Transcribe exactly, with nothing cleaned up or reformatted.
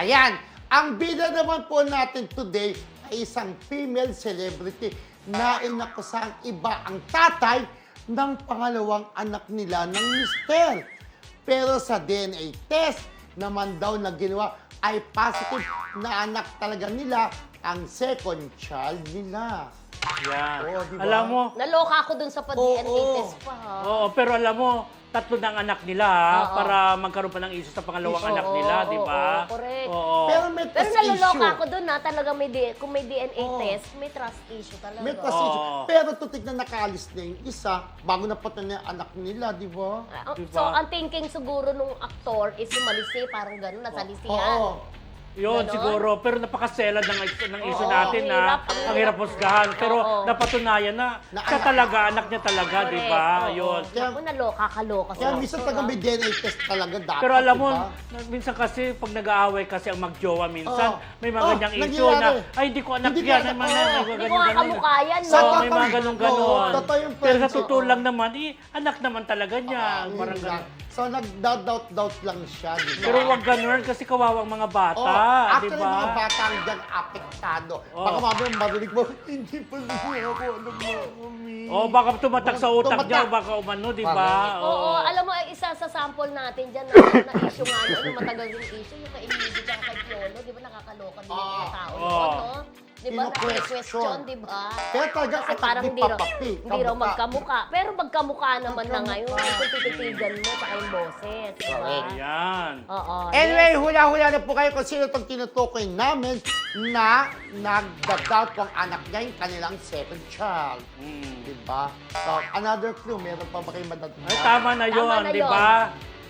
Ayan, ang bida naman po natin today ay isang female celebrity na inakusang iba ang tatay ng pangalawang anak nila ng mister. Pero sa D N A test naman daw na ginawa ay positive na anak talaga nila ang second child nila. Yan. Oo, diba? Alam mo, Naloka ako dun sa pa-D N A Oo. test pa. ha? oo, pero alam mo, tatlo ng anak nila ha, Oo. para magkaroon pa ng issue sa pangalawang Oo, anak nila, oo, di ba? oo, correct. Oo. Pero may Pero trust naloloka issue. ako dun na talaga may D- kung may D N A Oo. test, may trust issue talaga. May trust Oo. issue. Pero tutik na nakaalis na yung isa bago na pati na yung anak nila, di ba? Ah, Diba? So, ang thinking siguro nung aktor is lumalisi, parang gano'n, nasalisihan. Oo. Yun, Ganon? siguro. Pero napakaselad ng, ng issue Oo, natin ang hirap, na ang ang hirap hirap. husgahan. Pero Oo. napatunayan na, Na siya anak talaga, anak niya talaga, di Correct, ba? oo. Yun. Kaya- Naku, naloka, kaloka. Kaya sa minsan aktor, talaga ah. may D N A test talaga dapat, Pero alam mo, diba? minsan kasi pag nag-aaway kasi ang magjowa minsan, Oo. may mga Oh, ganyang issue nangyayari. na, ay, hindi ko anak Hindi ko yan. anak, Ay, mga- oo. mga Hindi ko ganyan, nga ganyan. kamukha yan. Sa no? Oo, may mga tatay- ganun-ganon. Oo, totoo yung Pero sa friends, totoo oo. lang naman, eh, anak naman talaga niya. Ah, Parang yun lang. ganun. So, nag-doubt-doubt lang siya, di ba? Pero wag ganun kasi kawawang mga bata, Oh, di actually, ba? mga bata ang dyan apektado. Oh. Baka mamaya marinig mo, hindi pa rin ako, alam mo, mami. O baka tumatak sa utak niya, Tumatak. o baka umano, di ba? Oo, alam mo, eh, isa sa sample natin dyan na, na issue nga, no, yung matagal yung issue, yung kay Emilio at kay Piolo, di ba nakakaloka din yung mga Ah. tao Oo. noon, no? Di ba, Kino-question. na-question, di ba? Pero talaga, Kasi at parang hindi hindi raw, papapi, hindi raw kamukha. magkamukha. Pero magkamukha naman na Magkamukha. ngayon, kung tititigan mo, saka yung boses, di ba? Correct. Yan. Oo. Anyway, yes. hula-hula na po kayo kung sino itong tinutukoy namin na nagda-doubt kung anak niya yung kanilang second child. Mm. Diba? So, another clue, meron pa ba kayo madadala? Ay, tama na Tama yun, na di yun. ba?